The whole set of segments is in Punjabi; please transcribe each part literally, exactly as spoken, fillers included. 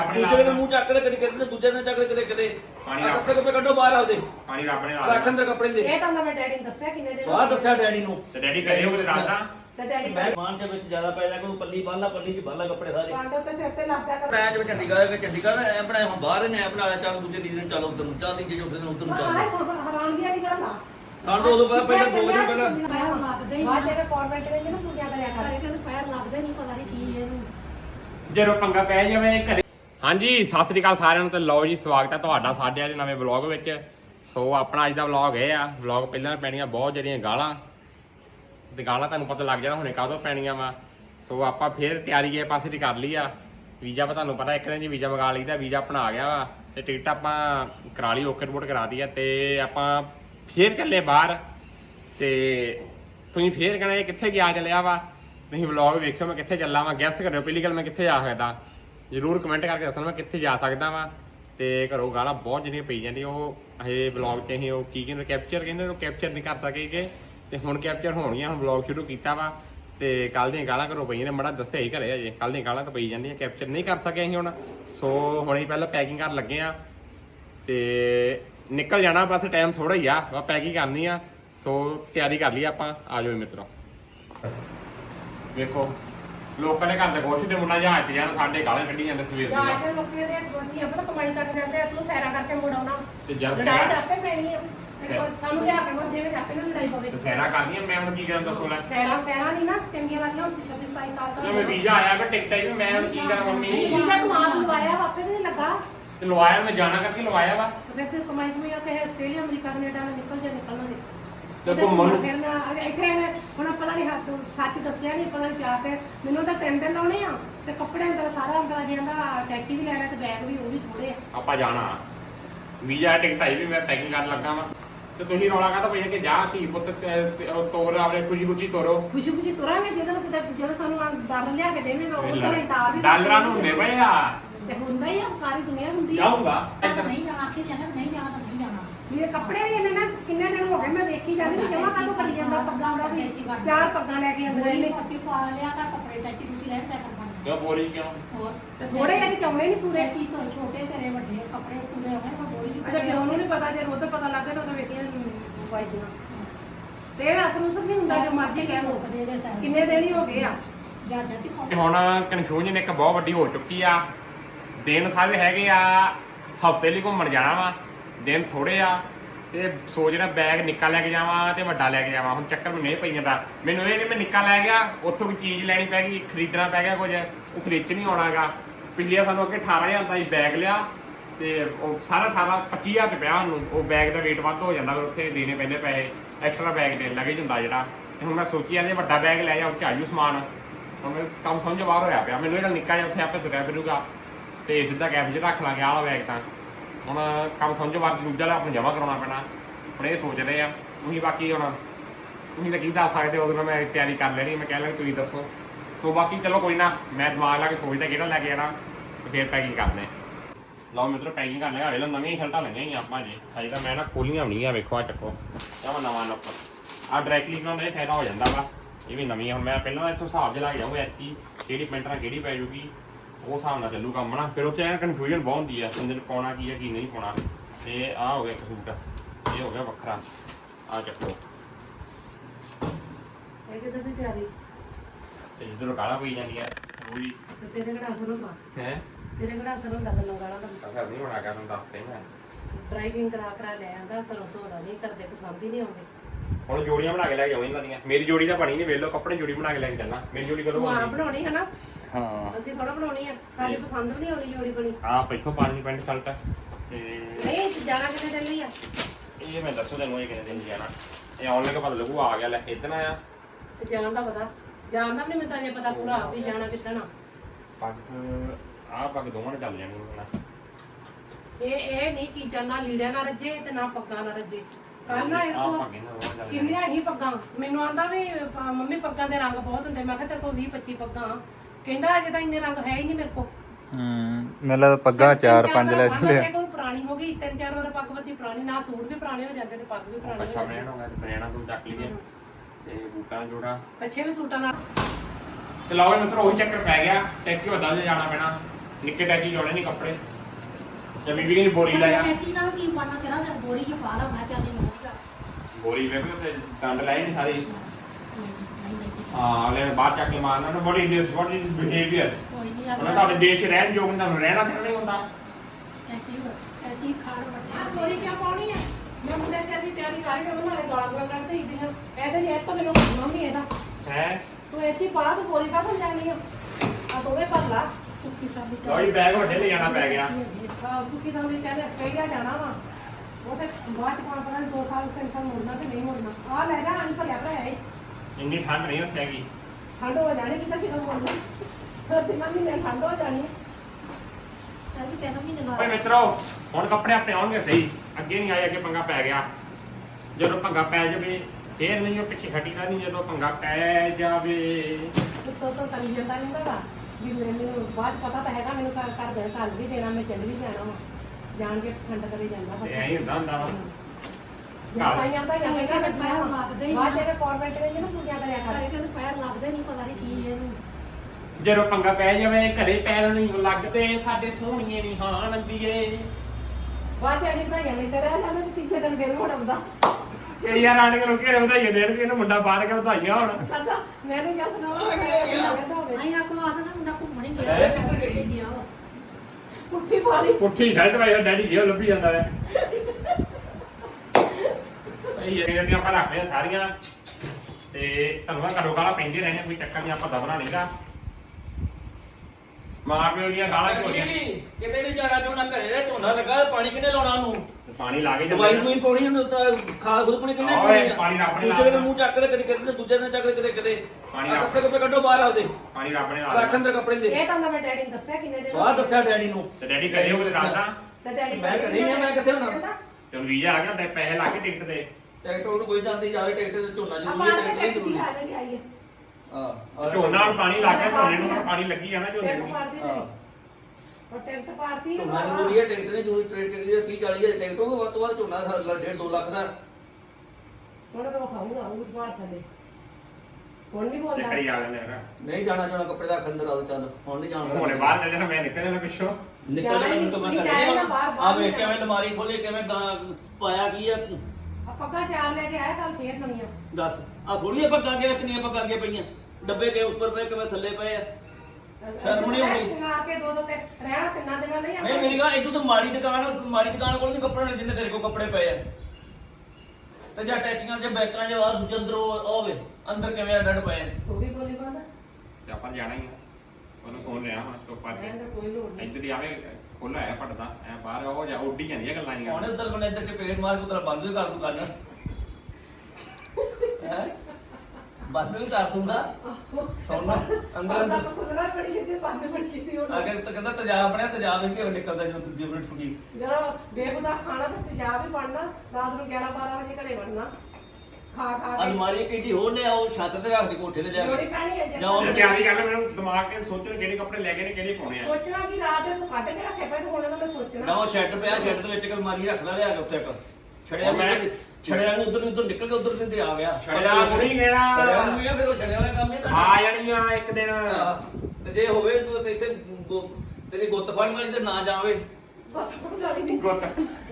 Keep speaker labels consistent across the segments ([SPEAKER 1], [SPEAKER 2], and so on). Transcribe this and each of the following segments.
[SPEAKER 1] ਦੂਜੇ ਦੇ ਮੂੰਹ ਚੱਕ ਕੇ ਕਦੀ ਕਦੇ ਦੂਜੇ ਨੇ ਚੱਕ ਕੇ ਕਦੇ ਕਦੇ ਪਾਣੀ ਰੱਖ ਕੇ ਕੱਢੋ ਬਾਹਰ ਆਉਦੇ ਪਾਣੀ ਰੱਬ ਨੇ ਰੱਖ ਅੰਦਰ ਕੱਪੜੇ ਦੇ। ਇਹ ਤਾਂ ਮੈਂ ਡੈਡੀ ਨੂੰ ਦੱਸਿਆ ਕਿੰਨੇ ਦਿਨ ਬਾਅਦ ਦੱਸਿਆ ਡੈਡੀ ਨੂੰ ਤੇ ਡੈਡੀ ਕਹੇ ਉਹ ਦੱਸਦਾ ਤੇ ਡੈਡੀ ਮਹਿਮਾਨ ਦੇ ਵਿੱਚ ਜ਼ਿਆਦਾ ਪੈ ਜਾ ਕੋਈ ਪੱਲੀ ਬਾਲਾ ਪੱਲੀ ਚ ਬਾਲਾ ਕੱਪੜੇ ਸਾਰੇ ਪਾਂਡੋ ਤੇ ਸਿਰ ਤੇ ਲੱਗ ਜਾ ਕਰ ਮੈਂ ਜਿਵੇਂ ਚੰਡੀਗੜ੍ਹ ਕੇ ਚੰਡੀਗੜ੍ਹ ਐ ਬਣਾਇਆ ਹੁਣ ਬਾਹਰ ਨੇ ਬਣਾ ਲਿਆ ਚੱਲ ਦੂਜੇ ਦਿਨ ਚੱਲ ਉਧਰ ਨੂੰ ਚਾਹ ਦੀ ਜੇ ਉਧਰ ਨੂੰ ਉਧਰ ਨੂੰ ਚੱਲ ਹੈਰਾਨਗੀ ਵਾਲੀ ਗੱਲ ਆ ਕਾਂਡ ਉਦੋਂ ਪਹਿਲਾਂ ਪਹਿਲਾਂ ਦੋ ਦਿਨ ਪਹਿਲਾਂ ਪੈਰ ਲੱਗਦੇ ਹੀ ਬਾਅਦ ਜੇ ਫਾਰਮੈਟ ਵਿੱਚ ਨਾ ਤੂੰ ਕੀ ਕਰਿਆ ਕਰ ਕਿ ਪੈਰ ਲੱਗਦੇ ਨਹੀਂ ਪਤਾ ਨਹੀਂ ਕੀ ਇਹਨੂੰ ਜਦੋਂ ਪੰਗਾ ਪੈ ਜਾਵੇ ਘਰੇ। ਹਾਂਜੀ ਸਤਿ ਸ੍ਰੀ ਅਕਾਲ ਸਾਰਿਆਂ ਨੂੰ ਤੇ ਲਓ ਜੀ ਸਵਾਗਤ ਹੈ ਤੁਹਾਡਾ ਸਾਡੇ ਅੱਜ ਨਵੇਂ ਵਲੌਗ ਵਿੱਚ। ਸੋ ਆਪਣਾ ਅੱਜ ਦਾ ਵਲੌਗ ਇਹ ਆ ਵਲੌਗ ਪਹਿਲਾਂ ਪੈਣੀਆਂ ਬਹੁਤ ਜਿਹੜੀਆਂ ਗਾਲਾਂ ਤੇ ਗਾਲਾਂ ਤੁਹਾਨੂੰ ਪਤਾ ਲੱਗ ਜਾਣਾ ਹੁਣੇ ਕਾਹਦੋਂ ਪੈਣੀਆਂ ਵਾ। ਸੋ ਆਪਾਂ ਫੇਰ ਤਿਆਰੀ ਇਹ ਪਾਸੇ ਦੀ ਕਰ ਲਈ ਆ। ਵੀਜ਼ਾ ਪਾ ਤੁਹਾਨੂੰ ਪਤਾ ਇੱਕ ਦਿਨ ਜੀ ਵੀਜ਼ਾ ਮੰਗਾ ਲਈਦਾ ਵੀਜ਼ਾ ਆਪਣਾ ਆ ਗਿਆ ਵਾ ਤੇ ਟਿਕਟ ਆਪਾਂ ਕਰਾ ਲਈ ਓਕੇ ਰਿਪੋਰਟ ਕਰਾ ਦੀ ਆ ਤੇ ਆਪਾਂ ਫੇਰ ਚੱਲੇ ਬਾਹਰ। ਤੇ ਤੁਸੀਂ ਫੇਰ ਕਹਿਣਾ ਇਹ ਕਿੱਥੇ ਗਿਆ ਚੱਲਿਆ ਵਾ ਤੁਸੀਂ ਵਲੌਗ ਵੇਖਿਓ ਮੈਂ ਕਿੱਥੇ ਚੱਲਾਂ ਵਾ ਗੈਸ ਕਰਿਓ ਪਹਿਲੀ ਗੱਲ ਮੈਂ ਕਿੱਥੇ ਜਾ ਸਕਦਾ ਜ਼ਰੂਰ ਕਮੈਂਟ ਕਰਕੇ ਦੱਸਣਾ ਮੈਂ ਕਿੱਥੇ ਜਾ ਸਕਦਾ ਵਾ। ਤੇ ਘਰੋਂ ਗਾਲਾਂ ਬਹੁਤ ਜਿਹੜੀਆਂ ਪਈ ਜਾਂਦੀਆਂ ਉਹ ਇਹ ਵਲੌਗ 'ਚ ਅਸੀਂ ਉਹ ਕੀ ਕਹਿੰਦੇ ਕੈਪਚਰ ਕਹਿੰਦੇ ਉਹ ਕੈਪਚਰ ਨਹੀਂ ਕਰ ਸਕੇਗੇ ਤੇ ਹੁਣ ਕੈਪਚਰ ਹੋਣਗੀਆਂ। ਹੁਣ ਵਲੌਗ ਸ਼ੁਰੂ ਕੀਤਾ ਵਾ ਤੇ ਕੱਲ ਦੀਆਂ ਗਾਲਾਂ ਘਰੋਂ ਪਈਆਂ ਨੇ ਮੜਾ ਦੱਸਿਆ ਹੀ ਘਰੇ ਅਜੇ ਕੱਲ ਦੀਆਂ ਗਾਲਾਂ ਤਾਂ ਪਈ ਜਾਂਦੀਆਂ ਕੈਪਚਰ ਨਹੀਂ ਕਰ ਸਕੇ ਅਸੀਂ ਹੁਣ। ਸੋ ਹੁਣ ਅਸੀਂ ਪਹਿਲਾਂ ਪੈਕਿੰਗ ਕਰਨ ਲੱਗੇ ਆ ਤੇ ਨਿਕਲ ਜਾਣਾ ਬਸ ਟਾਈਮ ਥੋੜਾ ਹੀ ਆ ਬਸ ਪੈਕਿੰਗ ਕਰਨੀ ਆ। ਸੋ ਤਿਆਰੀ ਕਰ ਲਈ ਆਪਾਂ ਆ ਜਾਓ ਮਿੱਤਰੋ। ਵੇਖੋ ਲੋਕਾਂ ਦੇ ਘਰ ਦੇ ਗੋਸ਼ੇ ਦੇ ਮੁੰਡਾ ਜਹਾਜ਼ ਤੇ ਜਾਣ ਸਾਡੇ ਗਾਲਾਂ ਕੱਢੀ ਜਾਂਦੇ ਸਵੇਰ ਦੀ ਜਹਾਜ਼ ਤੇ ਲੋਕੀ ਦੇ ਗੋਦੀ ਆਪਣਾ ਕਮਾਈ ਕਰਕੇ ਜਾਂਦੇ ਆ ਤੂੰ ਸੈਰਾ ਕਰਕੇ ਮੁੜ ਆਉਣਾ ਤੇ ਲੜਾਈ ਤਾਂ ਆਪੇ ਪੈਣੀ ਆ ਤੇ ਸਾਨੂੰ ਲਿਆ ਕੇ ਮੁੜ ਜਿਵੇਂ ਆਪੇ ਨਾ ਲੜਾਈ ਪਵੇ ਤੇ ਸੈਰਾ ਕਰਨੀ ਆ ਮੈਂ ਹੁਣ ਕੀ ਕਰਾਂ ਦੱਸੋ ਲੈ ਸੈਰਾ ਸੈਰਾ ਨਹੀਂ ਨਾ ਚੰਗੀਆਂ ਲੱਗੀਆਂ ਹੁਣ ਛੱਬੀ ਸਤਾਈ ਸਾਲ ਦਾ ਮੈਂ ਵੀਜ਼ਾ ਆਇਆ ਮੈਂ ਟਿਕਟ ਆਈ ਮੈਂ ਹੁਣ ਕੀ ਕਰਾਂ ਮੰਮੀ ਵੀਜ਼ਾ ਤੂੰ ਆਪ ਲਵਾਇਆ ਆਪੇ ਵੀ ਨਹੀਂ ਲੱਗਾ ਤੇ ਲਵਾਇਆ ਮੈਂ ਜਾਣਾ ਕਰਕੇ ਲਵਾਇਆ ਵਾ ਤੇ ਫਿਰ ਕਮਾਈ ਕਮਾਈ ਕੇ ਆਸਟ੍ਰੇਲੀਆ ਅਮਰੀਕਾ ਕੈਨੇਡਾ ਨਿਕਲ ਜਾ ਨਿਕਲਣਾ ਨਹੀਂ ਤੇ ਘੁੰਮਣ ਫਿਰ ਨਾ ਇੱਥੇ ਹੁਣ ਪਤਾ ਨਹੀਂ ਹੱਥ ਸੱਚ ਦੱਸਿਆ ਨਹੀਂ ਪਤਾ ਜਾ ਕੇ ਮੈਨੂੰ ਤਾਂ ਤਿੰਨ ਦਿਨ ਲਾਉਣੇ ਆ ਤੇ ਕੱਪੜੇ ਅੰਦਰ ਸਾਰਾ ਅੰਦਰ ਜਾਂਦਾ ਟੈਚੀ ਵੀ ਲੈਣਾ ਤੇ ਬੈਗ ਵੀ ਉਹ ਵੀ ਥੋੜੇ ਆਪਾਂ ਜਾਣਾ ਵੀਜ਼ਾ ਟਿਕਟ ਆਈ ਵੀ ਮੈਂ ਪੈਕਿੰਗ ਕਰਨ ਲੱਗਾ ਵਾ ਤੇ ਤੁਸੀਂ ਰੌਲਾ ਕਾਹਦਾ ਪਈਆ ਕਿ ਜਾ ਧੀ ਪੁੱਤ ਤੋਰ ਆਪਣੇ ਖੁਸ਼ੀ ਖੁਸ਼ੀ ਤੋਰੋ ਖੁਸ਼ੀ ਖੁਸ਼ੀ ਤੋਰਾਂਗੇ ਜਦੋਂ ਕਿਤੇ ਜਦੋਂ ਸਾਨੂੰ ਡਰ ਲਿਆ ਕੇ ਦੇਵੇਗਾ ਉਹ ਤਾਂ ਤਾਂ ਵੀ ਡਾਲਰਾਂ ਨੂੰ ਹੁੰਦੇ ਪਏ ਆ ਤੇ ਹੁੰਦਾ ਹੀ ਆ ਸਾਰੀ ਦੁਨੀਆ ਹੁੰਦੀ ਆ ਜਾਊਂਗਾ ਨਹੀਂ ਜਾਣਾ ਆਖੀ ਜਾਣਾ ਨਹੀਂ ਜਾਣਾ ਤਾਂ ਨਹੀਂ ਜਾਣਾ ਮੇਰੇ ਕੱਪੜੇ ਵੀ ਇਹਨੇ ਨਾ ਕਿੰਨੇ ਦਿਨ ਹੋ ਗਏ ਮੈਂ ਵੇਖੀ ਜਾਂਦੀ ਜਮਾ ਕਾਹਨੂੰ ਕਰੀ ਜਾਂਦਾ ਪੱਗਾਂ ਦਾ ਵੀ ਚਾਰ ਪੱਗਾਂ ਲੈ ਕੇ ਅੰਦਰ ਇਹਨੇ ਪੱਚੀ ਪਾ ਲਿਆ ਕਰ ਕੱਪੜੇ ਟੈਚੀ ਟੁੱਟੀ ਲੈਣ ਤੇ ਕਰਨਾ ਕਿਉਂ ਬੋਰੀ ਕਿਉਂ ਹੋਰ ਥੋੜੇ ਜਿਹੇ ਚਾਉਣੇ ਨਹੀਂ ਪੂਰੇ ਕੀ ਤੋਂ ਛੋਟੇ ਤੇਰੇ ਵੱਡੇ ਕੱਪੜੇ ਪੂਰੇ ਹੋਣੇ ਤਾਂ ਬੋਰੀ ਨਹੀਂ ਤੇ ਉਹਨੂੰ ਨਹੀਂ ਪਤਾ ਜੇ ਉਹ ਤਾਂ ਪਤਾ ਲੱਗ ਗਿਆ ਤਾਂ ਵੇਖੀਆਂ ਵਾਈਦੀਆਂ ਤੇ ਇਹ ਅਸਰ ਉਸਰ ਨਹੀਂ ਹੁੰਦਾ ਜੋ ਮਰਜ਼ੀ ਕਹਿ ਲੋ ਕਿੰਨੇ ਦਿਨ ਹੀ ਹੋ ਗਏ ਆ ਹੁਣ ਕਨਫਿਊਜ਼ਨ ਇੱਕ ਬਹੁਤ ਵੱਡੀ ਹੋ ਚੁੱਕੀ ਆ। ਦਿਨ ਸਾਰੇ ਹੈਗੇ ਆ ਹਫਤੇ ਲਈ ਘੁੰਮਣ ਜਾਣਾ ਵਾ ਦਿਨ ਥੋੜੇ ਆ ਤੇ ਸੋਚ ਰਿਹਾ ਬੈਗ ਨਿੱਕਾ ਲੈ ਕੇ ਜਾਵਾਂ ਤੇ ਵੱਡਾ ਲੈ ਕੇ ਜਾਵਾਂ। ਹੁਣ ਚੱਕਰ ਮੈਨੂੰ ਇਹ ਪਈ ਜਾਂਦਾ ਮੈਨੂੰ ਇਹ ਨਹੀਂ ਮੈਂ ਨਿੱਕਾ ਲੈ ਗਿਆ ਉੱਥੋਂ ਕੋਈ ਚੀਜ਼ ਲੈਣੀ ਪੈ ਗਈ ਖਰੀਦਣਾ ਪੈ ਗਿਆ ਕੁਝ ਉਹ ਖਰੀਦ 'ਚ ਨਹੀਂ ਆਉਣਾਗਾ। ਪਿਛਲੇ ਸਾਨੂੰ ਅੱਗੇ ਅਠਾਰਾਂ ਹਜ਼ਾਰ ਦਾ ਹੀ ਬੈਗ ਲਿਆ ਤੇ ਉਹ ਸਾਰਾ ਅਠਾਰਾਂ ਪੱਚੀ ਹਜ਼ਾਰ 'ਚ ਪਿਆ ਉਹਨੂੰ ਉਹ ਬੈਗ ਦਾ ਵੇਟ ਵੱਧ ਹੋ ਜਾਂਦਾ ਫਿਰ ਉੱਥੇ ਦੇਣੇ ਪੈਂਦੇ ਪੈਸੇ ਐਕਸਟਰਾ ਬੈਗ ਦੇ ਲੱਗੇ ਹੁੰਦਾ ਜਿਹੜਾ ਤੇ ਹੁਣ ਮੈਂ ਸੋਚੀ ਜਾਂਦੇ ਵੱਡਾ ਬੈਗ ਲੈ ਜਾ ਉਹ 'ਚ ਆਜੂ ਸਮਾਨ ਹੁਣ ਮੈਂ ਕੰਮ ਸਮਝ ਬਾਹਰ ਹੋਇਆ ਪਿਆ ਮੈਨੂੰ ਇਹਦਾ ਨਿੱਕਾ ਜਿਹਾ ਉੱਥੇ ਆਪੇ ਤੁਰਿਆ ਫਿਰੂਗਾ ਤੇ ਸਿੱਧਾ ਕੈਬ 'ਚ ਰੱਖ ਲਾਂਗੇ ਆਹ ਬੈਗ ਤਾਂ ਹੁਣ ਕੰਮ ਸਮਝੋ ਬਾਅਦ ਦੂਜਾ ਵਾਲਾ ਆਪਾਂ ਜਮ੍ਹਾਂ ਕਰਾਉਣਾ ਪੈਣਾ ਹੁਣ ਇਹ ਸੋਚ ਰਹੇ ਆ ਤੁਸੀਂ ਬਾਕੀ ਹੁਣ ਤੁਸੀਂ ਤਾਂ ਕੀ ਦੱਸ ਸਕਦੇ ਉਦੋਂ ਨਾਲ ਮੈਂ ਤਿਆਰੀ ਕਰ ਲੈਣੀ ਮੈਂ ਕਹਿ ਲਾਂ ਤੁਸੀਂ ਦੱਸੋ। ਸੋ ਬਾਕੀ ਚਲੋ ਕੋਈ ਨਾ ਮੈਂ ਦਿਮਾਗ ਲਾ ਕੇ ਸੋਚਦਾ ਕਿਹੜਾ ਲੈ ਕੇ ਜਾਣਾ ਤੇ ਫਿਰ ਪੈਕਿੰਗ ਕਰਦੇ ਲਓ ਮਿੱਤਰੋ ਪੈਕਿੰਗ ਕਰ ਲਿਆ ਹਲੇ ਨਵੀਆਂ ਸ਼ਰਟਾਂ ਲਈਆਂ ਹੀ ਆਪਾਂ ਜੀ ਅਜੇ ਤਾਂ ਮੈਂ ਨਾ ਖੋਲੀਆਂ ਹੋਣੀ ਆ ਵੇਖੋ ਆ ਚੱਕੋ ਆਹ ਨਵਾਂ ਨੰਬਰ ਆਹ ਡਾਇਰੈਕਟਲੀ ਬਣਾਉਂਦਾ ਇਹ ਫਾਇਦਾ ਹੋ ਜਾਂਦਾ ਵਾ ਇਹ ਵੀ ਨਵੀਂ ਹੁਣ ਮੈਂ ਪਹਿਲਾਂ ਇੱਥੋਂ ਹਿਸਾਬ ਜਿਹਾ ਲਾ ਕੇ ਜਾਊਂਗਾ ਐਤਕੀ ਕਿਹੜੀ ਪੈਂਟ ਨਾਲ ਕਿਹੜੀ ਪੈ ਜੂਗੀ ਉਹ ਹਿਸਾਬ ਨਾਲ ਚੱਲੂ ਕੰਮ ਨਾ ਫਿਰ ਉੱਥੇ ਐਂ ਕਨਫਿਊਜ਼ਨ ਬਹੁਤ ਹੁੰਦੀ ਆ ਬੰਦੇ ਨੂੰ ਪਾਉਣਾ ਕੀ ਆ ਕੀ ਨਹੀਂ ਪਾਉਣਾ। ਤੇ ਆਹ ਹੋ ਗਿਆ ਇੱਕ ਸੂਟ ਇਹ ਹੋ ਗਿਆ ਵੱਖਰਾ ਆਹ ਚੱਕੋ ਇਹ ਕਿੱਦਾਂ ਦੀ ਤਿਆਰੀ ਤੇ ਜਿੱਧਰੋਂ ਗਾਲਾਂ ਪਈ ਜਾਂਦੀਆਂ ਉਹ ਵੀ ਤੇਰੇ ਕਿਹੜਾ ਅਸਰ ਹੁੰਦਾ ਹੈ ਤੇਰੇ ਕਿਹੜਾ ਅਸਰ ਹੁੰਦਾ ਗੱਲਾਂ ਗਾਲਾਂ ਦਾ ਅਸਰ ਨਹੀਂ ਹੋਣਾ ਕਰ ਤੁਹਾਨੂੰ ਦੱਸਦੇ ਮੈਂ ਡਰਾਈਵਿੰਗ ਕਰਾ ਕਰਾ ਲੈ ਆਂਦਾ ਘਰੋਂ ਧੋਦਾ ਨਹੀਂ ਕਰਦੇ ਪਸੰਦ ਹੀ ਨਹੀਂ ਆਉਂਦੇ। ਹੁਣ ਜੋੜੀਆਂ ਬਣਾ ਕੇ ਲੈ ਕੇ ਆਉਂ ਇਹਨਾਂ ਦੀਆਂ ਮੇਰੀ ਜੋੜੀ ਤਾਂ ਬਣੀ ਨਹੀਂ ਵੇਖ ਲਓ ਕੱਪੜੇ ਜੋੜੀ ਬਣਾ ਕੇ ਲੈ ਕੇ ਚੱਲਣਾ ਮੇਰੀ ਜੋੜੀ ਕਦੋਂ ਬਣਾਉਣੀ ਬਣਾਉਣੀ ਹੈ ਨਾ ਹਾਂ ਅਸੀਂ ਥੋੜਾ ਬਣਾਉਣੀ ਆ ਸਾਡੀ ਪਸੰਦ ਵੀ ਨਹੀਂ ਆਉਣੀ ਜੋੜੀ ਬਣੀ ਆਹ ਇੱਥੋਂ ਪਾਣੀ ਪੈਂਟ ਸ਼ਰਟ ਤੇ ਨਹੀਂ ਜਾਣਾ ਕਿੰਨੇ ਦਿਨ ਲਈ ਆ ਇਹ ਮੈਂ ਦੱਸੋ ਤੈਨੂੰ ਇਹ ਕਿੰਨੇ ਦਿਨ ਜਾਣਾ ਇਹ ਆਨਲਾਈਨ ਪਤਾ ਲੱਗੂ ਆ ਗਿਆ ਲੈ ਇਦਾਂ ਆ ਤੇ ਜਾਣ ਦਾ ਪਤਾ ਜਾਣ ਦਾ ਵੀ ਨਹੀਂ ਮੈਨੂੰ ਤਾਂ ਜੇ ਪਤਾ ਪੂਰਾ ਵੀ ਜਾਣਾ ਕਿੱਦਾਂ ਨਾ ਪੱਗ ਆਹ ਪੱਗ ਦੋਵਾਂ ਨੇ ਚੱਲ ਜਾਣੀ ਹੁਣ ਇਹ ਇਹ ਨਹੀਂ ਚੀਜ਼ਾਂ ਨਾ ਲੀੜਿਆਂ ਨਾਲ ਰੱਜੇ ਤੇ ਨਾ ਪੱਗਾਂ ਨਾਲ ਰੱਜੇ ਕੱਲ ਨਾ ਇਹ ਕਿੰਨੀਆਂ ਹੀ ਪੱਗਾਂ ਮੈਨੂੰ ਆਂਦਾ ਵੀ ਮੰਮੀ ਪੱਗਾਂ ਦੇ ਰੰਗ ਬਹੁਤ ਹੁੰਦੇ ਮੈਂ ਕਿਹਾ ਤੇਰੇ ਕੋਲ ਵੀਹ ਪੱਚੀ ਪੱਗਾਂ ਕਹਿੰਦਾ ਅਜੇ ਤਾਂ ਇੰਨੇ ਰੰਗ ਹੈ ਹੀ ਨਹੀਂ ਮੇਰੇ ਕੋਲ ਹੂੰ ਮੈਨੂੰ ਲੱਗਦਾ ਪੱਗਾਂ ਚਾਰ ਪੰਜ ਲੈ ਲਿਆ ਕੋਈ ਪੁਰਾਣੀ ਹੋ ਗਈ ਤਿੰਨ ਚਾਰ ਵਾਰ ਪੱਗ ਬੱਤੀ ਪੁਰਾਣੀ ਨਾ ਸੂਟ ਵੀ ਪੁਰਾਣੇ ਹੋ ਜਾਂਦੇ ਤੇ ਪੱਗ ਵੀ ਪੁਰਾਣੀ ਅੱਛਾ ਮੈਂ ਨਾ ਬਰੇਣਾ ਤੋਂ ਚੱਕ ਲਈਏ ਤੇ ਬੂਟਾਂ ਜੋੜਾ ਕੱਛੇ ਵੀ ਸੂਟਾਂ ਨਾਲ ਤੇ ਲਾਓ ਮਿੱਤਰੋ ਉਹੀ ਚੱਕਰ ਪੈ ਗਿਆ ਟੈਕਸੀ ਵੱਡਾ ਜਿਹਾ ਜਾਣਾ ਪੈਣਾ ਨਿੱਕੇ ਟੈਚੀ ਲਾਉਣੇ ਨਹੀਂ ਕੱਪੜੇ ਤੇ ਬੀਬੀ ਕਹਿੰਦੀ ਬੋਰੀ ਲੈ ਆ
[SPEAKER 2] ਟੈਚੀ ਨਾਲ ਕੀ ਪਾਣਾ ਤੇਰਾ ਤੇ ਬੋਰੀ ਚ ਪਾ ਲਾ ਮੈਂ ਕਿਹਾ ਨਹੀਂ ਮੋਰੀ
[SPEAKER 1] ਬੋਰੀ ਵੇਖੋ ਤੇ ਡੰਡ ਲਾਈ ਨਹੀਂ ਸਾਰੀ ਹਾਂ ਲੈ ਬਾਹਰ ਚੱਕ ਕੇ ਮਾਰਨਾ ਨਾ ਬੜੀ ਦਿਸ ਵਾਟ ਇਜ਼ ਬਿਹੇਵੀਅਰ
[SPEAKER 2] ਕੋਈ ਨਹੀਂ
[SPEAKER 1] ਉਹਨਾਂ ਤੁਹਾਡੇ ਦੇਸ਼ ਰਹਿਣ ਯੋਗ ਤੁਹਾਨੂੰ ਰਹਿਣਾ ਕਿਉਂ ਨਹੀਂ ਹੁੰਦਾ
[SPEAKER 2] ਟੈਚੀ ਟੈਚੀ ਖਾੜ
[SPEAKER 3] ਆਹ
[SPEAKER 2] ਬੱਚੇ
[SPEAKER 3] ਬੋਰੀ ਕਿਉਂ ਪਾਉਣੀ ਆ ਮੈਂ ਮੁੰਡੇ ਤੇ ਦੀ ਤਿਆਰੀ ਕਰੀ ਤੇ ਉਹਨਾਂ ਨੇ ਗਾਲਾਂ ਗਾਲਾਂ ਕੱਢਦੇ ਇਦਾਂ ਇਹਦੇ ਜੇ ਤੋਂ ਮੈਨੂੰ ਖਾਣਾ ਨਹੀਂ ਇਹਦਾ
[SPEAKER 1] ਹੈ
[SPEAKER 3] ਤੂੰ ਇੱਥੇ ਪਾ ਤੂੰ ਬੋਰੀ ਕਾ ਜਾਣੀ ਆ ਆ ਦੋਵੇਂ ਭਰ ਲਾ
[SPEAKER 2] ਸੁੱਕੀ ਸਾਬੀ
[SPEAKER 1] ਲੋਈ ਬੈਗ ਵੱਡੇ ਲੈ ਜਾਣਾ ਪੈ ਗਿਆ
[SPEAKER 3] ਆ ਸੁੱਕੀ ਤਾਂ ਉਹਨੇ ਚਾਹੇ ਆਸਟ੍ਰੇਲੀਆ ਜਾਣਾ ਵਾ ਉਹ ਤੇ ਬਾਅਦ ਚ ਪਾਣ ਪਤਾ ਦੋ ਸਾਲ ਤਿੰਨ ਸਾਲ ਮੁੜਨਾ ਤੇ ਨਹੀਂ ਮੁੜਨਾ ਆ ਲੈ ਜਾ ਅਣ ਭਰਿਆ ਭਰਿਆ ਏ
[SPEAKER 1] ਇੰਨੀ ਠੰਡ ਨਹੀਂ ਉੱਥੇ ਹੈਗੀ
[SPEAKER 3] ਠੰਡ ਹੋ ਜਾਣੀ ਕਿਤਾ ਕਿਤਾ ਮੁੜਨਾ ਫਿਰ ਤਿੰਨ ਮਹੀਨੇ ਠੰਡ ਹੋ ਜਾਣੀ
[SPEAKER 2] ਚੱਲ ਤਿੰਨ ਮਹੀਨੇ ਲਾ
[SPEAKER 1] ਓਏ ਮਿੱਤਰੋ ਹੁਣ ਕੱਪੜੇ ਆਪਣੇ ਆਉਣਗੇ ਸਹੀ ਅੱਗੇ ਨਹੀਂ ਆਏ ਅੱਗੇ ਪੰਗਾ ਪੈ ਗਿਆ ਜਦੋਂ ਪੰਗਾ ਪੈ ਜਾਵੇ ਫੇਰ ਨਹੀਂ ਉਹ ਪਿੱਛੇ ਹਟੀਦਾ ਨਹੀਂ ਜਦੋਂ ਪੰਗਾ ਪੈ ਜਾਵੇ
[SPEAKER 3] ਉੱਤੋਂ ਤੋਂ ਕਰੀ ਜਾਂਦਾ ਰਹਿੰਦਾ ਵਾ ਵੀ ਮੈਨੂੰ ਬਾਅਦ 'ਚ ਪਤਾ ਤਾਂ ਹੈਗਾ ਮੈਨੂੰ ਘਰ ਘਰ ਦੇ ਘਰ ਵੀ ਦੇਣਾ ਮੈਂ ਚੱਲ ਵੀ ਜਾਣਾ ਵਾ ਜਾਣ ਕੇ ਠੰਡ ਕਰੇ ਜਾਂਦਾ
[SPEAKER 1] ਤੇ ਐਂ ਹੀ ਹੁੰਦਾ ਹੁੰਦਾ ਵਾ
[SPEAKER 3] ਜਾਂ ਸਾਈਆਂ ਦਾ ਜਾਂ ਕਿਹੜਾ ਲੱਗਿਆ ਵਾ
[SPEAKER 2] ਲੱਗਦੇ ਹੀ
[SPEAKER 3] ਬਾਅਦ ਜੇ ਫਾਰਮੈਟ ਵਿੱਚ ਨਾ ਪੂਜਾ ਕਰਿਆ ਕਰ
[SPEAKER 2] ਘਰੇ ਕਹਿੰਦੇ ਪੈਰ ਲੱਗਦੇ ਨਹੀਂ ਪਤਾ ਨਹੀਂ ਕੀ ਇਹਨੂੰ
[SPEAKER 1] ਜਦੋਂ ਪੰਗਾ ਪੈ ਜਾਵੇ ਘਰੇ ਪੈਰ ਨਹੀਂ ਲੱਗਦੇ ਸਾਡੇ ਸੋਹਣੀਏ ਨਹੀਂ ਹਾਂ ਨੰਦੀਏ
[SPEAKER 3] ਬਾਅਦ ਚ ਅਜੀ ਵਧਾਈਆਂ ਲੈਂਦੇ ਰਹਿ ਜਾਂਦੇ ਤੇ ਤੀਜੇ ਦਿਨ ਫੇਰ ਮੁੜ ਆਉਂਦਾ
[SPEAKER 1] ਇਹ ਯਾਰ ਆਣ ਕੇ ਰੁਕੇ ਵਧਾਈਆਂ ਦੇਣ ਕੇ ਇਹਨੂੰ ਮੁੰਡਾ ਬਾਹਰ ਕੇ ਵਧਾਈਆਂ ਹੁਣ
[SPEAKER 3] ਕਹਿੰਦਾ ਮੈਨੂੰ ਕਿਆ ਸੁਣਾਵਾ ਲੱਗਦਾ ਹੋਵੇ
[SPEAKER 2] ਨਹੀਂ ਆ ਕੋ ਆਦਨਾ ਮੁੰਡਾ ਘੁੰਮਣ ਹੀ ਗਿਆ ਕਿਤੇ ਗਿਆ ਵਾ
[SPEAKER 3] ਪੁੱਠੀ ਪਾਲੀ
[SPEAKER 1] ਪੁੱਠੀ ਸ਼ਾਇਦ ਭਾਈ ਡੈਡੀ ਜੀ ਲੱਭੀ ਜਾਂਦਾ ਹੈ ਇਹ ਜਿਹੜੀਆਂ ਆਪਾਂ ਰੱਖਦੇ ਆ ਸਾਰੀਆਂ ਤੇ ਤੁਹਾਨੂੰ ਮੈਂ ਘਰੋਂ ਗਾਲਾਂ ਪੈਂਦੇ ਰਹਿਣੇ ਕੋਈ ਚੱਕਰ ਨਹੀਂ ਆਪਾਂ ਦਬਣਾ ਨਹੀਂਗਾ ਮਾਂ ਪਿਓ ਦੀਆਂ ਗਾਲਾਂ ਕਿਉਂ ਹੋਈਆਂ
[SPEAKER 4] ਕਿਤੇ ਨਹੀਂ ਜਾਣਾ ਚਾਹੁੰਦਾ ਘਰੇ ਰਹਿ ਝੋਨਾ ਲੱਗਾ ਪਾਣੀ ਕਿੰਨੇ ਲਾਉਣਾ ਉਹਨੂੰ
[SPEAKER 1] ਪਾਣੀ ਲਾ ਕੇ
[SPEAKER 4] ਦਵਾਈ ਨੂੰ ਪਾਉਣੀ ਉਹਨੂੰ ਤਾਂ ਖਾ ਖੁਦ ਪਾਣੀ ਕਿੰਨੇ
[SPEAKER 1] ਓਏ,
[SPEAKER 4] ਪਾਉਣੀ ਆ?
[SPEAKER 1] ਪਾਣੀ ਰੱਬ ਨੇ
[SPEAKER 4] ਦੂਜੇ ਦੇ
[SPEAKER 1] ਲਾ
[SPEAKER 4] ਮੂੰਹ ਚੱਕ ਕੇ ਕਦੀ ਕਦੀ ਦੂਜੇ ਨੇ ਚੱਕ ਕੇ ਕਦੇ ਕਦੇ
[SPEAKER 1] ਪਾਣੀ
[SPEAKER 4] ਆ
[SPEAKER 1] ਰੱਬ-
[SPEAKER 4] ਕੱਪੜੇ ਕੱਪੜੇ ਕੱਢੋ ਬਾਹਰ ਆਉਦੇ
[SPEAKER 1] ਪਾਣੀ ਰੱਬ ਨੇ ਲਾ
[SPEAKER 4] ਰੱਖ
[SPEAKER 1] ਦੇਣਾ।
[SPEAKER 4] ਅੰਦਰ ਕੱਪੜੇ ਦੇ
[SPEAKER 3] ਇਹ ਤਾਂ ਮੈਂ ਡੈਡੀ ਨੂੰ ਦੱਸਿਆ ਕਿੰਨੇ ਦਿਨ
[SPEAKER 4] ਸਵਾਹ ਦੱਸਿਆ ਡੈਡੀ ਨੂੰ
[SPEAKER 1] ਤੇ ਡੈਡੀ ਕਰੇ ਉਹ ਦੱਸਦਾ
[SPEAKER 3] ਤੇ ਡੈਡੀ
[SPEAKER 4] ਮੈਂ ਘਰੇ ਹੀ ਆ, ਮੈਂ ਕਿੱਥੇ ਹੋਣਾ?
[SPEAKER 1] ਚਲ ਵੀਜ਼ਾ ਆ ਗਿਆ ਤੇ ਪੈਸੇ ਲਾ ਕੇ ਟਿਕਟ ਤੇ
[SPEAKER 4] ਟਿਕਟ ਉਹਨੂੰ ਕੋਈ ਜਾਂਦੀ ਜਾਵੇ ਟਿਕਟ ਤੇ ਝੋਨਾ
[SPEAKER 3] ਆਪਾਂ
[SPEAKER 4] ਜ਼ਰੂਰੀ ਹੈ, ਟਿਕਟ ਨਹੀਂ
[SPEAKER 3] ਟੈਕਟ
[SPEAKER 4] ਜ਼ਰੂਰੀ
[SPEAKER 3] ਦੀ ਹਾਜ਼ਰੀ ਆਈ ਹੈ
[SPEAKER 4] ਹਾਂ
[SPEAKER 1] ਝੋਨਾ ਹੁਣ ਪਾਣੀ ਲਾ ਕੇ ਝੋਨੇ ਨੂੰ ਹੁਣ ਪਾਣੀ ਲੱਗੀ ਜਾਣਾ ਝੋਨੇ
[SPEAKER 3] ਟੈਕਟ
[SPEAKER 1] ਨੂੰ
[SPEAKER 3] ਪਾਰਤੀ
[SPEAKER 4] ਹਾਂ।
[SPEAKER 3] ਤੇ ਉਹ ਟੈਕਟ ਪਾਰਤੀ
[SPEAKER 4] ਝੋਨਾ ਜ਼ਰੂਰੀ ਹੈ ਟਿਕਟ ਨਹੀਂ ਜ਼ਰੂਰੀ ਟਿਕਟ ਦੀ ਤੀਹ ਚਾਲੀ ਹਜ਼ਾਰ ਟਿਕਟ ਉਹ ਵੱਧ ਤੋਂ ਵੱਧ ਝੋਨਾ ਡੇਢ ਦੋ ਲੱਖ ਦਾ
[SPEAKER 3] ਹੁਣ ਤਾਂ ਖਾਊਗਾ ਉਹ ਬਾਹਰ ਥੱਲੇ ਹੁਣ ਨਹੀਂ
[SPEAKER 1] ਤੇ
[SPEAKER 3] ਬੋਲਦਾ
[SPEAKER 1] ਕਰੀ ਆ ਲੈਣੇ ਹੈਗਾ
[SPEAKER 4] ਨਹੀਂ ਜਾਣਾ ਚਾਹਣਾ ਕੱਪੜੇ ਦਾ ਅੰਦਰ ਆਓ ਚੱਲ ਹੁਣ ਨਹੀਂ ਜਾਣਾ
[SPEAKER 1] ਹੁਣੇ ਬਾਹਰ ਚੱਲ ਜਾਣਾ ਮੈਂ ਨਿਕਲ ਜਾਣਾ ਪਿੱਛੋਂ
[SPEAKER 4] ਨਿਕਲ ਜਾਣਾ ਮੈਨੂੰ ਕਮਾ
[SPEAKER 3] ਨਹੀਂ
[SPEAKER 4] ਕਰ
[SPEAKER 3] ਜਾਣਾ
[SPEAKER 4] ਲਿਆ
[SPEAKER 3] ਬਾਹਰ-
[SPEAKER 4] ਆ
[SPEAKER 3] ਬਾਹਰ
[SPEAKER 4] ਵੇਖ
[SPEAKER 3] ਨਹੀਂ
[SPEAKER 4] ਕਿਵੇਂ ਅਲਮਾਰੀ ਖੋਲੀ ਕਿਵੇਂ ਗਾਂ ਪਾਇਆ ਕੀ ਆ
[SPEAKER 3] ਆ ਪੱਗਾ ਚਾਰ ਲੈ ਕੇ ਆਇਆ ਕੱਲ ਫੇਰ ਬਣੀਆਂ
[SPEAKER 4] ਦੱਸ ਆ ਥੋੜੀਆਂ ਪੱਗਾਂ ਕੇ ਕਿੰਨੀਆਂ ਪੱਗਾਂ ਕੇ ਪਈਆਂ ਡੱਬੇ ਕੇ ਉੱਪਰ ਪਏ ਕਿਵੇਂ ਥੱਲੇ ਪਏ ਆ ਸ਼ਰਮ ਨਹੀਂ ਆਉਂਦੀ?
[SPEAKER 3] ਸ਼ਿੰਗਾਰ ਕੇ ਦੋ ਦੋ ਤੇ ਰਹਿਣਾ ਤਿੰਨਾਂ ਦਿਨਾਂ ਨਹੀਂ
[SPEAKER 4] ਨਹੀਂ ਮੇਰੀ ਗੱਲ ਇਦੋਂ ਤਾਂ ਮਾੜੀ ਦੁਕਾਨ ਮਾੜੀ ਦੁਕਾਨ ਕੋਲ ਨਹੀਂ ਕੱਪੜੇ ਨੇ ਜਿੰਨੇ ਤੇਰੇ ਕੋਲ ਕੱਪੜੇ ਪਏ ਆ ਤੇ ਜਾਂ ਟੈਚੀਆਂ ਜਾਂ ਬੈਕਾਂ ਜਾਂ ਆ ਦੂਜੇ ਅੰਦਰ ਉਹ ਹੋਵੇ ਅੰਦਰ ਕਿਵੇਂ ਡੱਡ ਪਏ ਆ
[SPEAKER 3] ਹੋ ਗਈ ਬੋਲੀ ਬੰਦ
[SPEAKER 1] ਤੇ ਆਪਾਂ ਜਾਣਾ ਹੀ ਆ ਉਹਨੂੰ ਫੋਨ ਲਿਆ ਹੁਣ ਟੋਪਾ
[SPEAKER 3] ਰਹਿਣ
[SPEAKER 1] ਤੇ
[SPEAKER 3] ਦਾ ਕੋਈ ਲੋੜ ਨਹੀਂ
[SPEAKER 1] ਇੱਧਰ ਹੀ ਆਵੇ ਖੁੱਲਾ ਹੈ ਪੜਦਾ ਐ ਬਾਹਰ ਉਹ ਜਾ ਉੱਡੀ ਜਾਂਦੀਆਂ ਗੱਲਾਂ ਜੀਆਂ
[SPEAKER 4] ਹੁਣ ਇੱਧਰ ਬਣੇ ਇੱਧਰ ਚਪੇੜ ਮਾਰ ਕੇ ਤੇਰਾ ਬੰਦ ਵੀ ਕਰ ਦੂੰ ਗੱਲ ਹੈ ਬੰਦ ਵੀ ਕਰ ਦੂੰਗਾ ਸੋਨਾ ਅੰਦਰ
[SPEAKER 3] ਅੰਦਰ
[SPEAKER 4] ਅੰਦਰ
[SPEAKER 3] ਖੁੱਲਣਾ ਬੜੀ ਛੇਤੀ ਬੰਦ ਬਣ ਕੀਤੀ ਹੁਣ
[SPEAKER 4] ਅਗਰ ਤਾਂ ਕਹਿੰਦਾ ਤੇਜ਼ਾਬ ਬਣਿਆ ਤੇਜ਼ਾਬ ਹੀ ਕਿਵੇਂ ਨਿਕਲਦਾ ਜਦੋਂ ਦੂਜੇ ਮਿੰਟ ਫੁਕੀ
[SPEAKER 3] ਜਦੋਂ ਬੇਖੁਦਾ ਖਾਣਾ ਤੇ ਤੇਜ਼ਾਬ ਹੀ ਬਣਨਾ ਰਾਤ ਨੂੰ ਗਿਆਰਾਂ ਬਾਰਾਂ ਵਜੇ ਘਰੇ ਵੜਨਾ ਖਾ ਖਾ ਕੇ
[SPEAKER 4] ਅਲਮਾਰੀ ਕਿੱਡੀ ਹੋਰ ਲਿਆ ਉਹ ਛੱਤ ਤੇ ਰੱਖ ਦੀ ਕੋਠੇ ਤੇ ਜਾ
[SPEAKER 3] ਲੋੜੀ
[SPEAKER 4] ਕੇ
[SPEAKER 3] ਪੈਣੀ ਹੈ ਜੇ
[SPEAKER 4] ਜਾਓ।
[SPEAKER 1] ਤੇ ਤਿਆਰੀ ਕਰ ਲੈ ਮੈਨੂੰ ਦਿਮਾਗ ਤੇ ਸੋਚਣ ਕਿਹੜੇ ਕੱਪੜੇ ਲੈ ਕੇ ਨੇ ਕਿਹੜੇ ਪਾਉਣੇ ਆ
[SPEAKER 3] ਸੋਚਣਾ ਕਿ ਰਾਤ ਦੇ ਤੂੰ ਕੱਢ ਕੇ ਰੱਖੇ ਪਏ ਤੇ ਹੁਣ ਤਾਂ ਮੈਂ
[SPEAKER 4] ਨਾ
[SPEAKER 3] ਸੋਚਣਾ
[SPEAKER 4] ਉਹ ਸ਼ੈੱਡ ਪਿਆ ਸ਼ੈੱਡ ਦੇ ਵਿੱਚ ਇੱਕ ਅਲਮਾਰੀ ਰੱਖ ਲੈ ਲਿਆ ਕੇ ਉੱਥੇ ਇੱਕ ਛੜਿਆ
[SPEAKER 1] ਉਹ ਮੈਂ-
[SPEAKER 4] ਮੈਂ ਛੜਿਆ ਨੂੰ ਉਧਰ ਉਧਰ ਨਿਕਲ ਕੇ ਉਧਰ ਤੇ ਆ ਗਿਆ
[SPEAKER 1] ਛੜਿਆ ਨੂੰ ਨਹੀਂ ਕਹਿਣਾ।
[SPEAKER 4] ਛੜਿਆ ਨੂੰ ਹੀ ਆ ਫਿਰ ਉਹ ਛੜਿਆ ਵਾਲਾ ਕੰਮ ਹੀ ਤੁਹਾਡਾ
[SPEAKER 1] ਆ ਜਾਣੀਆਂ ਇੱਕ ਦਿਨ
[SPEAKER 4] ਹਾਂ। ਤੇ ਜੇ ਹੋਵੇ ਤੂੰ ਤੇ ਇੱਥੇ ਗੋ- ਤੇਰੀ ਗੁੱਤ ਫੜਨ ਵਾਲੀ ਤੇ ਨਾ ਜਾਵੇ
[SPEAKER 3] ਬਸ ਕੋਈ ਗੱਲ ਹੀ ਨਹੀਂ
[SPEAKER 1] ਗੁੱਤ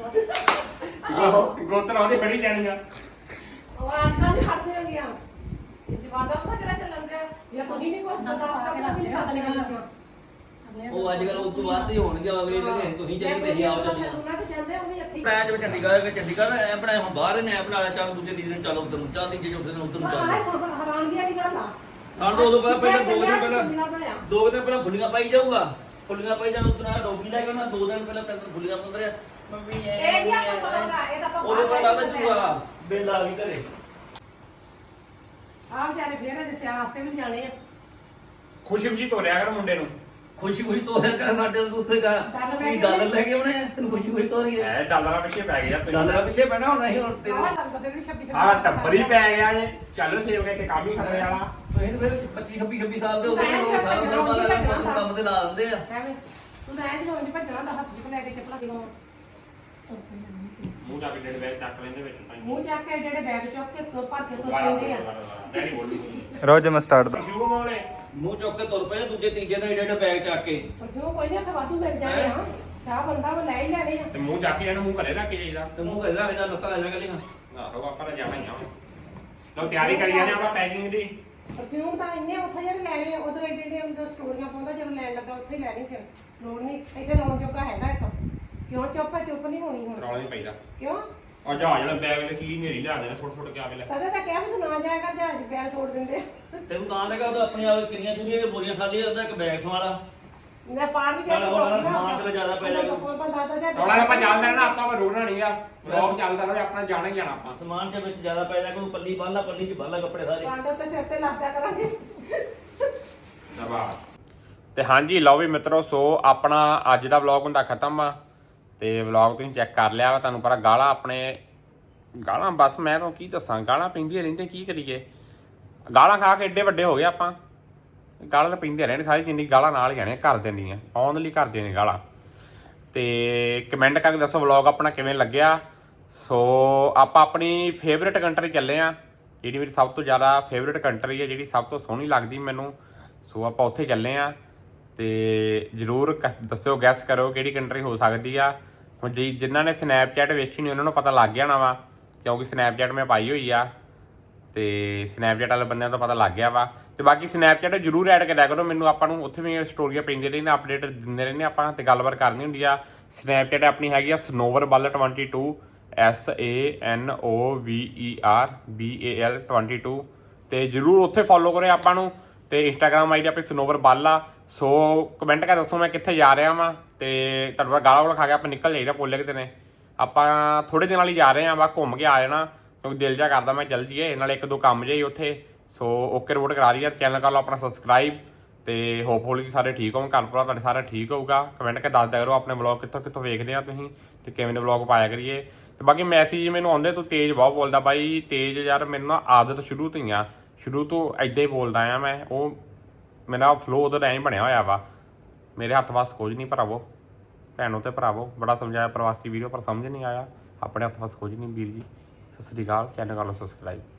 [SPEAKER 1] ਗੁੱਤ ਗੁੱਤ ਲਾਉਂਦੇ ਬੜੀ ਜਾਣੀਆਂ
[SPEAKER 3] ਉਹ ਅੱਜ ਕੱਲ੍ਹ ਨਹੀਂ ਖੜਦੀਆਂ ਗਈਆਂ ਜਵਾਦਾ ਪਤਾ ਕਿਹੜਾ ਚੱਲਣ ਦਿਆ ਜਾਂ ਤੁਸੀਂ ਨਹੀਂ ਕੋਈ ਬਰਦਾਸ਼ਤ ਕਰਨਾ ਵੀ ਨਹੀਂ ਕਰਦੀਆਂ
[SPEAKER 4] ਉਹ ਅੱਜ ਕੱਲ ਉਸ ਤੋਂ ਬਾਅਦ ਹੀ ਹੋਣਗੇ ਅਗਲੇ ਕਹਿੰਦੇ ਤੁਸੀਂ ਚੱਲੀ ਤੇ ਅਸੀਂ ਆਓ ਚੱਲੀ
[SPEAKER 3] ਉਹਨਾਂ ਤੇ ਜਾਂਦੇ ਉਹ ਵੀ ਇੱਥੇ
[SPEAKER 4] ਮੈਂ ਜਿਵੇਂ ਚੰਡੀਗੜ੍ਹ ਗਏ ਚੰਡੀਗੜ੍ਹ ਐ ਬਣਾਇਆ ਹੁਣ ਬਾਹਰ ਨੇ ਐ ਬਣਾ ਲਿਆ ਚੱਲ ਦੂਜੇ ਦਿਨ ਚੱਲ ਉਧਰ ਨੂੰ ਚੱਲ ਤੀਜੇ ਚੌਥੇ ਦਿਨ ਉਧਰ ਨੂੰ
[SPEAKER 3] ਆਹ
[SPEAKER 4] ਚੱਲ
[SPEAKER 3] ਸਭ ਹੈਰਾਨਗੀ ਵਾਲੀ ਗੱਲ ਆ
[SPEAKER 4] ਹਾਂ ਦੋ ਦੋ ਪਹਿਲਾਂ ਪਹਿਲਾਂ ਦੋ ਦਿਨ
[SPEAKER 3] ਚੰਡੀਗੜ੍ਹ
[SPEAKER 4] ਪਹਿਲਾਂ
[SPEAKER 3] ਦਾ ਆ।
[SPEAKER 4] ਦੋ ਦਿਨ ਪਹਿਲਾਂ ਫੁੱਲੀਆਂ ਪਾਈ ਜਾਊਗਾ ਫੁੱਲੀਆਂ ਪਾਈ ਜਾਣ ਉਤਨਾ ਡੋਗੀ ਲੈ ਕੇ ਨਾ ਦੋ ਦਿਨ ਪਹਿਲਾਂ ਤੱਕ ਫੁੱਲੀਆਂ ਪੰਦਰਿਆ ਮੰਮੀ ਐ
[SPEAKER 3] ਇਹ ਨਹੀਂ ਆਪਾਂ ਪਤਾ ਲੱਗਾ, ਇਹ ਤਾਂ ਆਪਾਂ
[SPEAKER 4] ਉਹਦੇ
[SPEAKER 3] ਬਾਹਰ
[SPEAKER 4] ਬਾਅਦ
[SPEAKER 3] ਲੈ
[SPEAKER 4] ਆਦਾ
[SPEAKER 3] ਕੇ
[SPEAKER 4] ਚੂਹਾ ਬੇਲਾ ਆ ਗਈ ਘਰੇ
[SPEAKER 3] ਆਹ ਵਿਚਾਰੇ ਫੇਰ ਇਹਦੇ ਸਿਆਲ ਵਾਸਤੇ ਵੀ ਜਾਣੇ ਆ
[SPEAKER 1] ਖੁਸ਼ੀ ਖੁਸ਼ੀ ਤੋਰਿਆ ਕਰ ਮੁੰਡੇ ਨੂੰ
[SPEAKER 4] ਖੁਸ਼ੀ ਖੁਸ਼ੀ ਤੋਰਿਆ ਕਰ ਸਾਡੇ ਨੂੰ ਉੱਥੇ ਕਰ
[SPEAKER 3] ਡਾਲਰ ਲੈ
[SPEAKER 4] ਕੀ
[SPEAKER 3] ਕੇ
[SPEAKER 4] ਡਾਲਰ ਲੈ ਕੇ ਆਉਣੇ ਆ ਤੈਨੂੰ ਖੁਸ਼ੀ ਖੁਸ਼ੀ ਤੋਰੀਏ
[SPEAKER 1] ਐ ਡਾਲਰਾਂ ਪਿੱਛੇ ਪੈ ਗਿਆ
[SPEAKER 4] ਡਾਲਰਾਂ ਪਿੱਛੇ ਪੈਣਾ ਹੁਣ ਅਸੀਂ ਹੁਣ
[SPEAKER 3] ਆਹ
[SPEAKER 4] ਤੇਰੇ
[SPEAKER 3] ਲੱਗਦਾ ਫਿਰ ਵੀ ਛੱਬੀ
[SPEAKER 1] ਸਾਰਾ ਟੱਬਰ ਹੀ ਪੈ ਗਿਆ ਜੇ ਚੱਲ ਸੇਵ ਕੇ ਕੰਮ ਹੀ ਖਤਰੇ ਵਾਲਾ
[SPEAKER 4] ਤੁਸੀਂ ਤਾਂ ਫਿਰ ਪੱਚੀ ਛੱਬੀ ਛੱਬੀ ਸਾਲ ਦੇ ਹੋ ਗਏ ਲੋਕ ਸਾਰਾ ਸਾਲ ਬਾਅਦ ਅਗਲੇ ਕੰਮ ਤੇ ਲਾ ਦਿੰਦੇ ਆ
[SPEAKER 3] ਐਵੇਂ ਤੂੰ ਤਾਂ ਐਂ ਜਦੋਂ ਨਹੀਂ ਭੱਜਣਾ ਦਾ ਹੱਥ ਚ ਲੈ ਕੇ ਚੱਪਲਾਂ ਕਿਉਂ
[SPEAKER 1] ਮੂੰਹ ਜਾ ਕੇ ਡੇਢ ਬੈਗ ਚੱਕ ਲੈਂਦੇ ਵਿੱਚ ਤਾਂ
[SPEAKER 3] ਮੂੰਹ ਚੱਕ ਕੇ ਜਿਹੜੇ ਬੈਗ ਚੁੱਕ ਕੇ ਤੋਂ ਭਰ ਕੇ ਤੋਂ ਪੈਂਦੇ ਆ
[SPEAKER 1] ਡੈਡੀ ਬੋਲੂ
[SPEAKER 5] ਰੋਜ਼ ਮੈਂ ਸਟਾਰਟ
[SPEAKER 1] ਸ਼ੁਰੂ ਮੋਲੇ
[SPEAKER 4] ਮੂੰਹ ਚੁੱਕ ਕੇ ਤੁਰ ਪਏ ਦੂਜੇ ਤੀਜੇ ਦਾ ਏਡਾ ਏਡਾ ਬੈਗ ਚੱਕ ਕੇ
[SPEAKER 3] ਪਰਫਿਊਮ ਕੋਈ ਨਹੀਂ ਉੱਥੇ ਵਾਧੂ ਮਿਲ ਜਾਣੇ ਆ ਸ਼ਾਹ ਬੰਦਾ ਉਹ ਲੈ ਹੀ ਲੈਣੇ ਆ
[SPEAKER 1] ਤੇ ਮੂੰਹ ਚੱਕ ਕੇ ਇਹਨੂੰ ਮੂੰਹ ਘਰੇ ਰੱਖ ਕੇ ਜਾਈਦਾ
[SPEAKER 4] ਤੇ ਮੂੰਹ ਕਹਿੰਦਾ ਇਹਦਾ ਲੱਤਾਂ ਲੈ ਜਾ ਕੇ
[SPEAKER 1] ਆਹੋ ਆਪਾਂ ਤਾਂ ਜਾਣਾ ਹੀ ਆ ਲਓ ਤਿਆਰੀ ਕਰੀ ਜਾਂਦੇ ਆਪਾਂ ਪੈਕਿੰਗ ਦੀ
[SPEAKER 3] ਪਰਫਿਊਮ ਤਾਂ ਇੰਨੇ ਉੱਥੇ ਜਿਹੜੇ ਲੈਣੇ ਆ ਉਧਰ ਏਡੇ ਏਡੇ ਅੰਦਰ ਸਟੋਰੀਆਂ ਪਾਉਂਦਾ ਜਦੋਂ ਲੈਣ ਲੱਗਾ ਉੱਥੇ ਹੀ ਲੈਣੀ ਫਿਰ ਲੋੜ ਨਹੀਂ ਇੱਥੇ ਲਾਉਣ ਜੋਗਾ ਹੈਗਾ ਇੱਥੋਂ ਕਿਉਂ ਚੁੱਪ ਹੈ ਚੁੱਪ ਨਹੀਂ ਹੋਣੀ ਹੁਣ
[SPEAKER 1] ਰੌਲਾ ਨਹੀਂ ਪੈਂਦਾ
[SPEAKER 3] ਕਿਉਂ
[SPEAKER 1] ਆ ਜਹਾਜ਼ ਵਾਲਾ ਬੈਗ ਤੇ ਕੀ ਨੇਰੀ ਲਿਆ ਦੇਣਾ ਛੋਟ ਛੋਟ ਕੇ ਆਵੇ ਲੈ
[SPEAKER 3] ਕਦੇ ਤਾਂ ਕਿਹਾ ਵੀ ਤੂੰ ਨਾ ਜਾਏਗਾ ਜਹਾਜ਼ ਬੈਗ ਤੋੜ ਦਿੰਦੇ
[SPEAKER 4] ਤੈਨੂੰ ਤਾਂ ਲੱਗਾ ਉਹ ਆਪਣੀ ਆਪ ਕਿੰਨੀਆਂ ਚੂੜੀਆਂ ਦੀਆਂ ਬੋਰੀਆਂ ਖਾਲੀ ਉਹਦਾ ਇੱਕ ਬੈਗ ਸਵਾਲਾ
[SPEAKER 3] ਮੈਂ ਪਾਰ ਵੀ
[SPEAKER 4] ਨਾਲ ਹੋਰ ਨਾਲ ਸਮਾਨ ਤੇ ਜ਼ਿਆਦਾ ਪੈ ਜਾਏਗਾ।
[SPEAKER 1] ਰੌਲਾ ਆਪਾਂ ਚੱਲਦਾ ਰਹਿਣਾ ਆਪਾਂ ਰੋਣਾ ਨਹੀਂਗਾ ਬਲੌਗ ਚੱਲਦਾ ਰਹੇ ਆਪਣਾ ਜਾਣਾ ਹੀ ਜਾਣਾ ਆਪਾਂ
[SPEAKER 4] ਸਮਾਨ ਦੇ ਵਿੱਚ ਜ਼ਿਆਦਾ ਪੈ ਜਾ ਕੋਈ ਪੱਲੀ ਬੰਨ ਲਾ ਪੱਲੀ 'ਚ ਬੰਨ ਲਾ ਕੱਪੜੇ ਸਾਰੇ
[SPEAKER 3] ਕਾਂਡੋ ਤੇ ਸਿਰ ਤੇ ਲੱਦਿਆ ਕਰਾਂਗੇ
[SPEAKER 1] ਸ਼ਾਬਾਸ਼ ਤੇ ਹਾਂਜੀ ਲਓ ਵੀ ਮਿੱਤਰੋ ਸੋ ਆਪਣਾ ਅੱਜ ਦਾ ਵਲੌਗ ਹੁੰਦਾ ਖਤਮ ਆ ਤੇ ਵਲੌਗ ਤੁਸੀਂ ਚੈੱਕ ਕਰ ਲਿਆ ਵਾ ਤੁਹਾਨੂੰ ਪਤਾ ਗਾਲਾਂ ਆਪਣੇ ਗਾਲਾਂ ਬਸ ਮੈਂ ਤੁਹਾਨੂੰ ਕੀ ਦੱਸਾਂ ਗਾਲਾਂ ਪੈਂਦੀਆਂ ਰਹਿੰਦੇ ਕੀ ਕਰੀਏ ਗਾਲਾਂ ਖਾ ਕੇ ਏਡੇ ਵੱਡੇ ਹੋ ਗਏ ਆਪਾਂ ਗਾਲਾਂ ਤਾਂ ਪੈਂਦੀਆਂ ਰਹਿੰਦੇ ਸਾਰੀ ਜਿੰਨੀ ਗਾਲਾਂ ਨਾਲ ਹੀ ਆਣੇ ਘਰ ਦੇ ਨਹੀਂ ਆ ਆਉਣ ਲਈ ਕਰਦੇ ਨੇ ਗਾਲਾਂ ਤੇ ਕਮੈਂਟ ਕਰਕੇ ਦੱਸੋ ਵਲੌਗ ਆਪਣਾ ਕਿਵੇਂ ਲੱਗਿਆ ਸੋ ਆਪਾਂ ਆਪਣੀ ਫੇਵਰੇਟ ਕੰਟਰੀ ਚੱਲੇ ਆ ਜਿਹੜੀ ਮੇਰੀ ਸਭ ਤੋਂ ਜ਼ਿਆਦਾ ਫੇਵਰੇਟ ਕੰਟਰੀ ਹੈ ਜਿਹੜੀ ਸਭ ਤੋਂ ਸੋਹਣੀ ਲੱਗਦੀ ਮੈਨੂੰ ਸੋ ਆਪਾਂ ਉੱਥੇ ਚੱਲੇ ਆ ਤੇ ਜ਼ਰੂਰ ਦੱਸਿਓ ਗੈਸ ਕਰੋ ਕਿਹੜੀ ਕੰਟਰੀ ਹੋ ਸਕਦੀ ਆ ਹੁਣ ਜੀ ਜਿਨ੍ਹਾਂ ਨੇ ਸਨੈਪਚੈਟ ਵੇਖੀ ਨਹੀਂ ਉਹਨਾਂ ਨੂੰ ਪਤਾ ਲੱਗ ਗਿਆ ਨਾ ਵਾ ਕਿਉਂਕਿ ਸਨੈਪਚੈਟ ਮੈਂ ਪਾਈ ਹੋਈ ਆ ਤੇ ਸਨੈਪਚੈਟ ਵਾਲੇ ਬੰਦਿਆਂ ਤੋਂ ਪਤਾ ਲੱਗ ਗਿਆ ਵਾ ਤੇ ਬਾਕੀ ਸਨੈਪਚੈਟ ਜ਼ਰੂਰ ਐਡ ਕਰਿਆ ਕਰੋ ਮੈਨੂੰ ਆਪਾਂ ਨੂੰ ਉੱਥੇ ਵੀ ਸਟੋਰੀਆਂ ਪੈਂਦੀਆਂ ਰਹਿੰਦੀਆਂ ਅਪਡੇਟ ਦਿੰਦੇ ਰਹਿੰਦੇ ਆਪਾਂ ਤੇ ਗੱਲਬਾਤ ਕਰਨੀ ਹੁੰਦੀ ਆ ਸਨੈਪਚੈਟ ਆਪਣੀ ਹੈਗੀ ਆ Sanover Bal twenty two S A N O V E R B A L twenty two ਤੇ ਜ਼ਰੂਰ ਉੱਥੇ ਫੋਲੋ ਕਰਿਓ ਆਪਾਂ ਨੂੰ ਤੇ ਇੰਸਟਾਗ੍ਰਾਮ ਆਈ ਡੀ ਆਪਣੀ ਸਨੋਵਰ ਬੱਲ ਆ ਸੋ ਕਮੈਂਟ ਕਰ ਦੱਸੋ ਮੈਂ ਕਿੱਥੇ ਜਾ ਰਿਹਾ ਵਾਂ ਤੇ ਤੁਹਾਡਾ ਗਾਲਾਂ ਵਾਲਾ ਖਾ ਕੇ ਆਪਾਂ ਨਿਕਲ ਜਾਈਦਾ ਪੋਲੇ ਕਿਤੇ ਨੇ ਆਪਾਂ ਥੋੜੇ ਦਿਨਾਂ ਲਈ ਜਾ ਰਹੇ ਹਾਂ ਵਾ ਘੁੰਮ ਕੇ ਆ ਜਾਣਾ ਕਿਉਂਕਿ ਦਿਲ ਜਾ ਕਰਦਾ ਮੈਂ ਚੱਲ ਜੀਏ ਨਾਲੇ ਇੱਕ ਦੋ ਕੰਮ ਜਿਹੇ ਉੱਥੇ ਸੋ ਓਕੇ ਰਿਪੋਰਟ ਕਰਾ ਲਈ ਚੈਨਲ ਕਰ ਲਓ ਆਪਣਾ ਸਬਸਕ੍ਰਾਈਬ ਤੇ ਹੋਪਫੁਲੀ ਸਾਰੇ ਠੀਕ ਹੋਣ ਘਰ ਭਰਾ ਤੁਹਾਡੇ ਸਾਰੇ ਠੀਕ ਹੋਊਗਾ ਕਮੈਂਟ ਕੇ ਦੱਸ ਦਿਆ ਕਰੋ ਆਪਣੇ ਵਲੌਗ ਕਿੱਥੋਂ ਕਿੱਥੋਂ ਵੇਖਦੇ ਆ ਤੁਸੀਂ ਤੇ ਕਿਵੇਂ ਦੇ ਵਲੌਗ ਪਾਇਆ ਕਰੀਏ ਤੇ ਬਾਕੀ ਮੈਸੇਜ ਮੈਨੂੰ ਆਉਂਦੇ ਤੂੰ ਤੇਜ਼ ਬਹੁਤ ਬੋਲਦਾ ਬਾਈ ਤੇਜ਼ ਯਾਰ ਮੈਨੂੰ ਨਾ ਆਦਤ ਸ਼ੁਰੂ ਤੋਂ ਹੀ ਆ ਸ਼ੁਰੂ ਤੋਂ ਇੱਦਾਂ ਹੀ ਬੋਲਦਾ ਆ ਮੈਂ ਉਹ ਮੇਰਾ ਫਲੋ ਉਹਦਾ ਐਂ ਬਣਿਆ ਹੋਇਆ ਵਾ ਮੇਰੇ ਹੱਥ ਵਾਸ ਕੁਝ ਨਹੀਂ ਭਰਾਵੋ ਭੈਣੋ ਤੇ ਭਰਾਵੋ ਬੜਾ ਸਮਝਾਇਆ ਪ੍ਰਵਾਸੀ ਵੀਡੀਓ ਪਰ ਸਮਝ ਨਹੀਂ ਆਇਆ ਆਪਣੇ ਹੱਥ ਵਾਸ ਕੁਝ ਨਹੀਂ ਵੀਰ ਜੀ ਸਤਿ ਸ਼੍ਰੀ ਅਕਾਲ ਚੈਨਲ ਕਰ ਲਓ ਸਬਸਕ੍ਰਾਈਬ